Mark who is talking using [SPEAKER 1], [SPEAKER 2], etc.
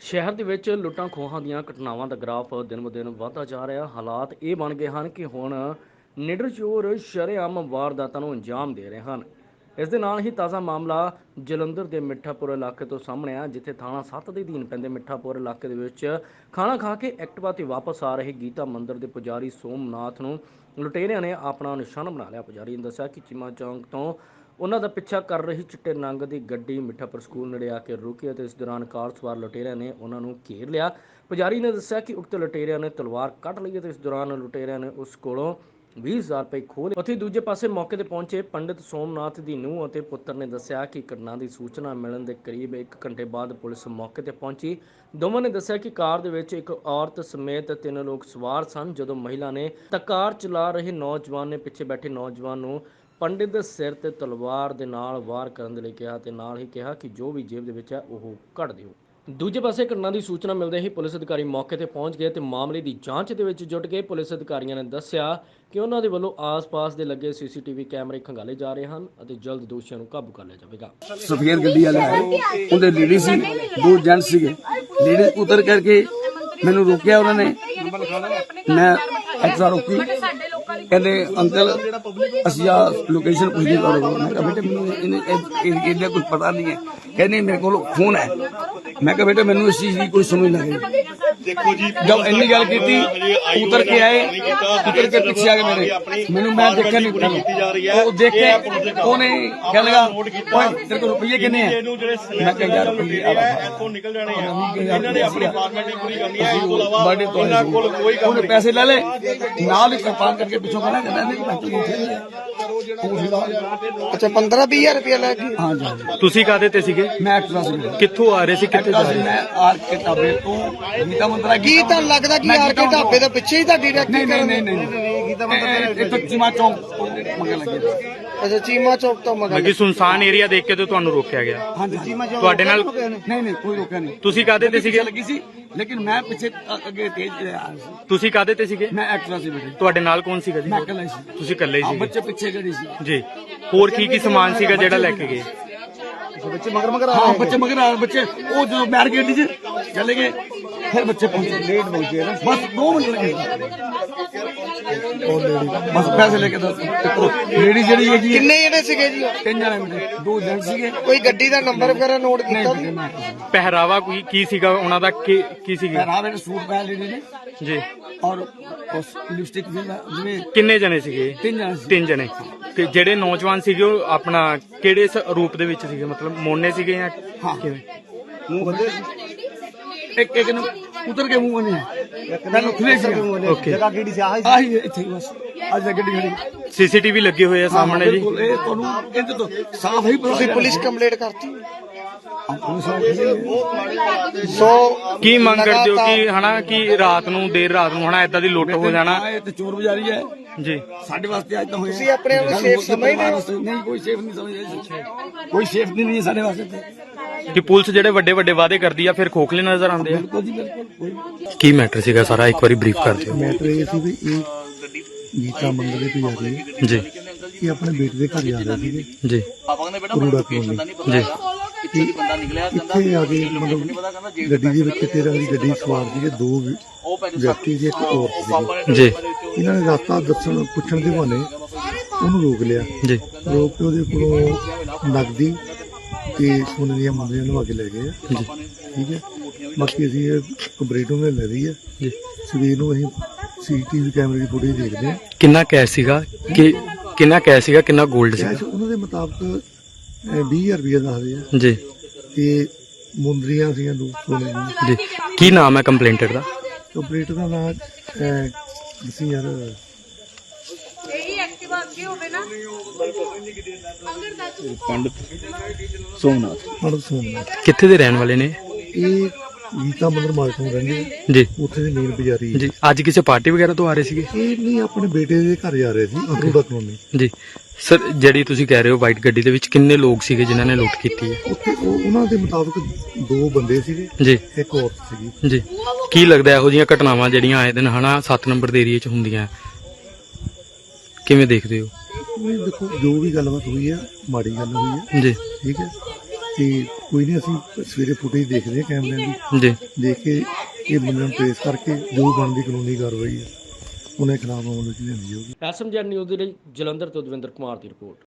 [SPEAKER 1] ਸ਼ਹਿਰ ਦੇ ਵਿੱਚ ਲੁੱਟਾਂ ਖੋਹਾਂ ਦੀਆਂ ਘਟਨਾਵਾਂ ਦਾ ਗ੍ਰਾਫ ਦਿਨ-ਬ-ਦਿਨ ਵਧਦਾ ਜਾ ਰਿਹਾ। ਹਾਲਾਤ ਇਹ ਬਣ ਗਏ ਹਨ ਕਿ ਹੁਣ ਨਿਡਰ ਚੋਰ ਸ਼ਰੇਆਮ ਵਾਰਦਾਤਾਂ ਨੂੰ ਅੰਜਾਮ ਦੇ ਰਹੇ ਹਨ। ਇਸ ਦੇ ਨਾਲ ਹੀ ਤਾਜ਼ਾ ਮਾਮਲਾ ਜਲੰਧਰ ਦੇ ਮਿੱਠਾਪੁਰ ਇਲਾਕੇ ਤੋਂ ਸਾਹਮਣੇ ਆ, ਜਿੱਥੇ ਥਾਣਾ 7 ਦੇ ਅਧੀਨ ਪੈਂਦੇ ਮਿੱਠਾਪੁਰ ਇਲਾਕੇ ਦੇ ਵਿੱਚ ਖਾਣਾ ਖਾ ਕੇ ਐਕਟਿਵਾ ਤੇ ਵਾਪਸ ਆ ਰਹੇ ਗੀਤਾ ਮੰਦਿਰ ਦੇ ਪੁਜਾਰੀ ਸੋਮਨਾਥ ਨੂੰ ਲੁਟੇਰਿਆਂ ਨੇ ਆਪਣਾ ਨਿਸ਼ਾਨਾ ਬਣਾ ਲਿਆ। ਪੁਜਾਰੀ ਨੇ ਦੱਸਿਆ ਕਿ ਚੀਮਾ ਚੌਂਕ ਤੋਂ ਉਹਨਾਂ ਦਾ ਪਿੱਛਾ ਕਰ ਰਹੀ ਚਿੱਟੇ ਰੰਗ ਦੀ ਗੱਡੀ ਮਿੱਠਾਪੁਰ ਸਕੂਲ ਨੇੜੇ ਆ ਕੇ ਰੁਕੀ ਅਤੇ ਇਸ ਦੌਰਾਨ ਕਾਰ ਸਵਾਰ ਲੁਟੇਰਿਆਂ ਨੇ ਉਹਨਾਂ ਨੂੰ ਘੇਰ ਲਿਆ। ਪੁਜਾਰੀ ਨੇ ਦੱਸਿਆ ਕਿ ਉਕਤ ਲੁਟੇਰਿਆਂ ਨੇ ਤਲਵਾਰ ਕੱਢ ਲਈ ਅਤੇ ਇਸ ਦੌਰਾਨ ਲੁਟੇਰਿਆਂ ਨੇ ਉਸ ਕੋਲੋਂ 20,000 ਰੁਪਏ ਖੋਹ ਲਏ। ਉੱਥੇ ਦੂਜੇ ਪਾਸੇ ਮੌਕੇ ਤੇ ਪਹੁੰਚੇ ਪੰਡਿਤ ਸੋਮਨਾਥ ਦੀ ਨੂੰਹ ਅਤੇ ਪੁੱਤਰ ਨੇ ਦੱਸਿਆ ਕਿ ਘਟਨਾ ਦੀ ਸੂਚਨਾ ਮਿਲਣ ਦੇ ਕਰੀਬ 1 ਘੰਟੇ ਬਾਅਦ ਪੁਲਿਸ ਮੌਕੇ ਤੇ ਪਹੁੰਚੀ। ਦੋਵਾਂ ਨੇ ਦੱਸਿਆ ਕਿ ਕਾਰ ਦੇ ਵਿੱਚ ਇੱਕ ਔਰਤ ਸਮੇਤ 3 ਲੋਕ ਸਵਾਰ ਸਨ। ਜਦੋਂ ਮਹਿਲਾ ਨੇ ਤਾਂ ਕਾਰ ਚਲਾ ਰਹੇ ਨੌਜਵਾਨ ਨੇ ਪਿੱਛੇ ਬੈਠੇ ਨੌਜਵਾਨ ਨੂੰ ਪੰਡਿਤ ਦੇ ਸਿਰ ਤੇ ਤਲਵਾਰ ਦੇ ਨਾਲ ਵਾਰ ਕਰਨ ਦੇ ਲਈ ਕਿਹਾ ਤੇ ਨਾਲ ਹੀ ਕਿਹਾ ਕਿ ਜੋ ਵੀ ਜੇਬ ਦੇ ਵਿੱਚ ਹੈ ਉਹ ਕੱਢ ਦਿਓ। ਦੂਜੇ ਪਾਸੇ ਘਟਨਾ ਦੀ ਸੂਚਨਾ ਮਿਲਦੇ ਹੀ ਪੁਲਿਸ ਅਧਿਕਾਰੀ ਮੌਕੇ ਤੇ ਪਹੁੰਚ ਗਏ ਤੇ ਮਾਮਲੇ ਦੀ ਜਾਂਚ ਦੇ ਵਿੱਚ ਜੁਟ ਗਏ। ਪੁਲਿਸ ਅਧਿਕਾਰੀਆਂ ਨੇ ਦੱਸਿਆ ਕਿ ਉਹਨਾਂ ਦੇ ਵੱਲੋਂ ਆਸ-ਪਾਸ ਦੇ ਲੱਗੇ ਸੀਸੀਟੀਵੀ ਕੈਮਰੇ ਖੰਗਾਲੇ ਜਾ ਰਹੇ ਹਨ ਅਤੇ ਜਲਦ ਦੋਸ਼ੀਆਂ ਨੂੰ ਕਾਬੂ ਕਰ ਲਿਆ ਜਾਵੇਗਾ।
[SPEAKER 2] ਸਫੇਦ ਗੱਡੀ ਵਾਲੇ ਆਏ, ਉਹਦੇ ਲੇਡੀ ਸੀ, 2 ਜੈਂਟਸ ਸੀਗੇ। ਲੇਡੀ ਉਤਰ ਕਰਕੇ ਮੈਨੂੰ ਰੋਕਿਆ ਉਹਨਾਂ ਨੇ, ਮੈਂ ਐਕਸਟਰਾ ਰੋਕੀ। ਕਹਿੰਦੇ ਅੰਕਲ ਅਸੀਂ ਆ ਲੋਕੇਸ਼ਨ ਪੁੱਛੀ ਕਰੋ। ਮੈਂ ਕਿਹਾ ਬੇਟੇ ਮੈਨੂੰ ਇਹਦਾ ਕੁਝ ਪਤਾ ਨਹੀਂ ਹੈ। ਕਹਿੰਦੇ ਮੇਰੇ ਕੋਲ ਫੋਨ ਹੈ। ਮੈਂ ਕਿਹਾ ਬੇਟੇ ਮੈਨੂੰ ਇਸ ਚੀਜ਼ ਦੀ ਕੋਈ ਸਮਝ ਨਹੀਂ ਲੱਗੀ। देखो जी जब इन्नी गल की उतर के आए, उतर के पीछे आ गए मैंने मैं देखा नहीं, वो देख के उन्हें क्या लगा तेरे को रुपये कितने हैं। मैं कहा यार उन्हें पैसे ले ले नाल ही कृपान करके पिछों कहना
[SPEAKER 3] अच्छा 15-20 रुपया ले गए।
[SPEAKER 2] हाँ जी
[SPEAKER 4] ਤੁਸੀਂ ਕਾਹਦੇ ਤੇ ਸੀਗੇ?
[SPEAKER 2] मैं एक्ट्रा से
[SPEAKER 4] ਕਿੱਥੋਂ ਆ ਰਹੇ ਸੀ, ਕਿੱਥੇ ਜਾ ਰਹੇ ਸੀ?
[SPEAKER 2] मैं आर के ढाबे तो गीता मंदिर
[SPEAKER 3] ਕੀ ਤਾਂ ਲੱਗਦਾ ਕਿ ਆਰ ਕੇ ਢਾਬੇ ਦੇ ਪਿੱਛੇ ਹੀ ਤੁਹਾਡੀ ਰੈਕੀ
[SPEAKER 2] नहीं नहीं नहीं नहीं गीता मंदिर तो चीमा चौक मगर लगे।
[SPEAKER 3] ਅੱਛਾ ਚੀਮਾ ਚੌਕ ਤੋਂ ਮਗਰ
[SPEAKER 4] ਕਿ ਸੁਨਸਾਨ ਏਰੀਆ ਦੇਖ ਕੇ ਤੇ ਤੁਹਾਨੂੰ ਰੋਕਿਆ ਗਿਆ।
[SPEAKER 2] हाँ जी चीमा चौक
[SPEAKER 4] ਤੁਹਾਡੇ ਨਾਲ
[SPEAKER 2] नहीं नहीं कोई रोका नहीं।
[SPEAKER 4] ਤੁਸੀਂ ਕਾਹਦੇ ਤੇ ਸੀਗੇ?
[SPEAKER 2] लगी सी लेकिन मैं पीछे आगे तेज आ रहा सी।
[SPEAKER 4] ਤੁਸੀਂ ਕਾਹਦੇ ਤੇ ਸੀਗੇ?
[SPEAKER 2] मैं एक्ट्रा से बैठे
[SPEAKER 4] ਤੁਹਾਡੇ ਨਾਲ ਕੌਣ ਸੀਗਾ ਜੀ?
[SPEAKER 2] मैं अकेला ही सी।
[SPEAKER 4] ਤੁਸੀਂ ਇਕੱਲੇ ਹੀ
[SPEAKER 2] हाँ
[SPEAKER 4] ਸੀਗੇ
[SPEAKER 2] बच्चे पीछे खड़े सी
[SPEAKER 4] ਜੀ। ਹੋਰ ਕੀ ਸਮਾਨ ਸੀਗਾ ਜਿਹੜਾ ਲੈ ਕੇ ਗਏ?
[SPEAKER 2] बच्चे मगर हाँ बच्चे मगर बच्चे वो जो बैरिकेड चले गए, फिर बच्चे पहुंचे लेट पहुंचे बस 2 मिनट लगे। बस पैसे लेके लेडी जी है
[SPEAKER 3] ਕਿੰਨੇ ਜਿਹੜੇ ਸੀਗੇ ਜੀ
[SPEAKER 2] 3 जने 2 जेंट्स ਸੀਗੇ।
[SPEAKER 3] ਕੋਈ ਗੱਡੀ ਦਾ ਨੰਬਰ ਵਗੈਰਾ ਨੋਟ ਕੀਤਾ
[SPEAKER 2] नहीं मैं
[SPEAKER 4] ਪਹਿਰਾਵਾ ਕੀ ਸੀਗਾ ਉਹਨਾਂ ਦਾ? ਕੀ ਸੀਗੀ
[SPEAKER 2] पहनावे ने सूट पहन लेडी ने
[SPEAKER 4] ਜੀ?
[SPEAKER 2] और उस लिपस्टिक जिਵੇਂ
[SPEAKER 4] ਕਿੰਨੇ ਜਣੇ ਸੀਗੇ?
[SPEAKER 2] 3 जने सी।
[SPEAKER 4] 3 ਜਣੇ। ਤੇ ਜਿਹੜੇ ਨੌਜਵਾਨ ਸੀਗੇ ਉਹ ਆਪਣਾ ਕਿਹੜੇ ਰੂਪ ਦੇ ਵਿੱਚ ਸੀਗੇ? ਮਤਲਬ ਮੋਨੇ ਸੀਗੇ ਜਾਂ
[SPEAKER 2] हाँ
[SPEAKER 4] ਕਿਵੇਂ?
[SPEAKER 2] मुंह बंदे एक ने उतर के मुंह नहीं पहले खुले सी
[SPEAKER 4] ਓਕੇ।
[SPEAKER 2] जगह केड़ी सी आही इथे बस आज गड्डी खड़ी
[SPEAKER 4] ਸੀਸੀਟੀਵੀ ਲੱਗੇ ਹੋਏ ਆ ਸਾਹਮਣੇ ਜੀ।
[SPEAKER 2] बिल्कुल ये ਤੁਹਾਨੂੰ ਇਹਦੇ ਤੋਂ ਸਾਫ ਹੀ
[SPEAKER 3] ਤੁਸੀਂ ਪੁਲਿਸ ਕੰਪਲੇਂਟ ਕਰਤੀ
[SPEAKER 2] ਸੋ
[SPEAKER 4] ਕੀ ਮੰਗ ਕਰਦੇ ਹੋ ਕਿ ਹਨਾ ਕਿ ਰਾਤ ਨੂੰ ਦੇਰ ਰਾਤ ਨੂੰ ਹਨਾ ਏਦਾਂ ਦੀ ਲੁੱਟ ਹੋ ਜਾਣਾ?
[SPEAKER 2] ਇਹ ਤੇ ਚੋਰ ਬਜ਼ਾਰੀ ਹੈ
[SPEAKER 4] ਜੀ।
[SPEAKER 2] ਸਾਡੇ ਵਾਸਤੇ ਅੱਜ ਤਾਂ ਹੋਇਆ।
[SPEAKER 3] ਤੁਸੀਂ ਆਪਣੇ ਆਪ ਨੂੰ ਸੇਫ ਸਮਝਦੇ ਹੋ?
[SPEAKER 2] ਨਹੀਂ ਕੋਈ ਸੇਫ ਨਹੀਂ ਸਮਝਦੇ, ਕੋਈ ਸੇਫਟੀ ਨਹੀਂ ਹੈ ਸਾਡੇ ਵਾਸਤੇ।
[SPEAKER 4] ਕਿ ਪੁਲਿਸ ਜਿਹੜੇ ਵੱਡੇ ਵੱਡੇ ਵਾਅਦੇ ਕਰਦੀ ਆ ਫਿਰ ਖੋਖਲੇ ਨਜ਼ਰ ਆਉਂਦੇ ਆ।
[SPEAKER 2] ਬਿਲਕੁਲ ਜੀ ਬਿਲਕੁਲ ਕੋਈ
[SPEAKER 4] ਕੀ ਮੈਟਰ ਸੀਗਾ ਸਾਰਾ ਇੱਕ ਵਾਰੀ ਬਰੀਫ ਕਰ ਦਿਓ।
[SPEAKER 5] ਮੈਟਰ ਇਹ ਸੀ ਵੀ ਇਹ ਗੀਤਾ ਮੰਦਰ ਦੇ ਪੁਜਾਰੀ ਹੈ,
[SPEAKER 4] ਜੀ
[SPEAKER 5] ਇਹ ਆਪਣੇ ਬੇਟੇ ਦੇ ਘਰ ਜਾ ਰਹੇ ਸੀਗੇ
[SPEAKER 4] ਜੀ
[SPEAKER 5] ਕਰੂੜਾ ਕਲੋਨੀ।
[SPEAKER 4] ਜੀ
[SPEAKER 5] ਇੱਥੇ ਆ ਕੇ ਮਤਲਬ ਗੱਡੀ ਦੇ ਵਿੱਚ 13 ਦੀ ਗੱਡੀ ਸਵਾਰ ਸੀਗੇ 2 ਵਿਅਕਤੀ ਸੀ, ਇੱਕ ਔਰਤ ਸੀਗੀ।
[SPEAKER 4] ਜੀ
[SPEAKER 5] ਇਹਨਾਂ ਨੇ ਰਸਤਾ ਦੱਸਣ ਪੁੱਛਣ ਦੇ ਬਹਾਨੇ ਉਹਨੂੰ ਰੋਕ ਲਿਆ।
[SPEAKER 4] ਜੀ
[SPEAKER 5] ਰੋਕ ਕੇ ਉਹਦੇ ਕੋਲੋਂ ਨਕਦੀ ਤੇ ਸੋਨੇ ਦੀਆਂ ਮੁੰਦਰੀਆਂ ਲਵਾ ਕੇ ਲੈ ਗਏ ਆ।
[SPEAKER 4] ਜੀ
[SPEAKER 5] ਠੀਕ ਹੈ, ਬਾਕੀ ਅਸੀਂ ਇਹ ਕੰਪਲੀਟੋਂ ਲੈ ਲਈ ਹੈ।
[SPEAKER 4] ਜੀ
[SPEAKER 5] ਸਵੇਰ ਨੂੰ ਅਸੀਂ ਸੀਸੀਟੀਵੀ ਕੈਮਰੇ ਦੀ ਫੁਟੇਜ ਦੇਖਦੇ ਹਾਂ।
[SPEAKER 4] ਕਿੰਨਾ ਕੈਸ਼ ਸੀਗਾ? ਕਿੰਨਾ ਕੈਸ਼ ਸੀਗਾ? ਕਿੰਨਾ 골ਡ
[SPEAKER 5] ਕੈਸ਼
[SPEAKER 4] ਸੀਗਾ?
[SPEAKER 5] ਉਹਨਾਂ ਦੇ ਮੁਤਾਬਕ 20,000 ਰੁਪਏ ਦੱਸਦੇ ਆ
[SPEAKER 4] ਜੀ
[SPEAKER 5] ਤੇ ਮੁੰਦਰੀਆਂ ਸੀਗੀਆਂ 2 ਸੋਨੇ ਦੀਆਂ।
[SPEAKER 4] ਜੀ ਕੀ ਨਾਮ ਹੈ ਕੰਪਲੇਂਟਰ ਦਾ?
[SPEAKER 5] ਕੰਪਲੀਟਰ ਦਾ ਨਾਮ ਦੱਸੀ ਯਾਰ ਪੰਡਤ ਸੋਮਨਾਥ।
[SPEAKER 4] ਕਿੱਥੇ ਦੇ ਰਹਿਣ ਵਾਲੇ ਨੇ?
[SPEAKER 5] ਇਹ ਗੀਤਾ ਮੰਦਰ ਮਾਲਕਾਂ ਰਹਿੰਦੇ ਆ,
[SPEAKER 4] ਜੀ
[SPEAKER 5] ਉੱਥੇ ਦੇ ਮੇਨ ਪੁਜਾਰੀ
[SPEAKER 4] ਜੀ। ਅੱਜ ਕਿਸੇ ਪਾਰਟੀ ਵਗੈਰਾ ਤੋਂ ਆ ਰਹੇ ਸੀਗੇ?
[SPEAKER 5] ਇਹ ਨਹੀਂ ਆਪਣੇ ਬੇਟੇ ਦੇ ਘਰ ਜਾ ਰਹੇ ਸੀ ਕਰੂੜਾ ਕਲੋਨੀ।
[SPEAKER 4] ਜੀ ਸਰ, ਜਿਹੜੀ ਤੁਸੀਂ ਕਹਿ ਰਹੇ ਹੋ ਵਾਈਟ ਗੱਡੀ ਦੇ ਵਿੱਚ ਕਿੰਨੇ ਲੋਕ ਸੀਗੇ ਜਿਨ੍ਹਾਂ ਨੇ ਲੁੱਟ ਕੀਤੀ ਹੈ?
[SPEAKER 5] ਉੱਥੇ ਉਹਨਾਂ ਦੇ ਮੁਤਾਬਕ 2 ਬੰਦੇ ਸੀਗੇ,
[SPEAKER 4] ਜੀ
[SPEAKER 5] ਇੱਕ ਔਰਤ ਸੀਗੀ।
[SPEAKER 4] ਜੀ ਕੀ ਲੱਗਦਾ ਇਹੋ ਜਿਹੀਆਂ ਘਟਨਾਵਾਂ ਜਿਹੜੀਆਂ ਆਏ ਦਿਨ ਹਨਾ 7 ਨੰਬਰ ਦੇ ਏਰੀਏ 'ਚ ਹੁੰਦੀਆਂ ਕਿਵੇਂ ਦੇਖਦੇ ਹੋ?
[SPEAKER 5] ਇਹ ਦੇਖੋ ਜੋ ਵੀ ਗੱਲਬਾਤ ਹੋਈ ਹੈ ਮਾੜੀ ਗੱਲ ਹੋਈ ਹੈ,
[SPEAKER 4] ਜੀ
[SPEAKER 5] ਠੀਕ ਹੈ, ਤੇ ਕੋਈ ਨਹੀਂ, ਅਸੀਂ ਸਵੇਰੇ ਫੁਟੇਜ ਦੇਖਦੇ ਹਾਂ ਕੈਮਰਿਆਂ ਦੀ,
[SPEAKER 4] ਜੀ
[SPEAKER 5] ਦੇਖ ਕੇ ਇਹ ਬੰਦੇ ਨੂੰ ਟ੍ਰੇਸ ਕਰਕੇ ਜੋ ਬਣਦੀ ਕਾਨੂੰਨੀ ਕਾਰਵਾਈ ਹੈ ਉਹਨਾਂ ਦੇ ਖਿਲਾਫ ਅਮਲ ਵਿੱਚ ਲਿਆਂਦੀ ਜਾਊਗੀ।
[SPEAKER 1] ਐਸਐਮਜੀ ਨਿਊਜ਼ ਦੇ ਲਈ ਜਲੰਧਰ ਤੋਂ ਦਵਿੰਦਰ ਕੁਮਾਰ ਦੀ ਰਿਪੋਰਟ।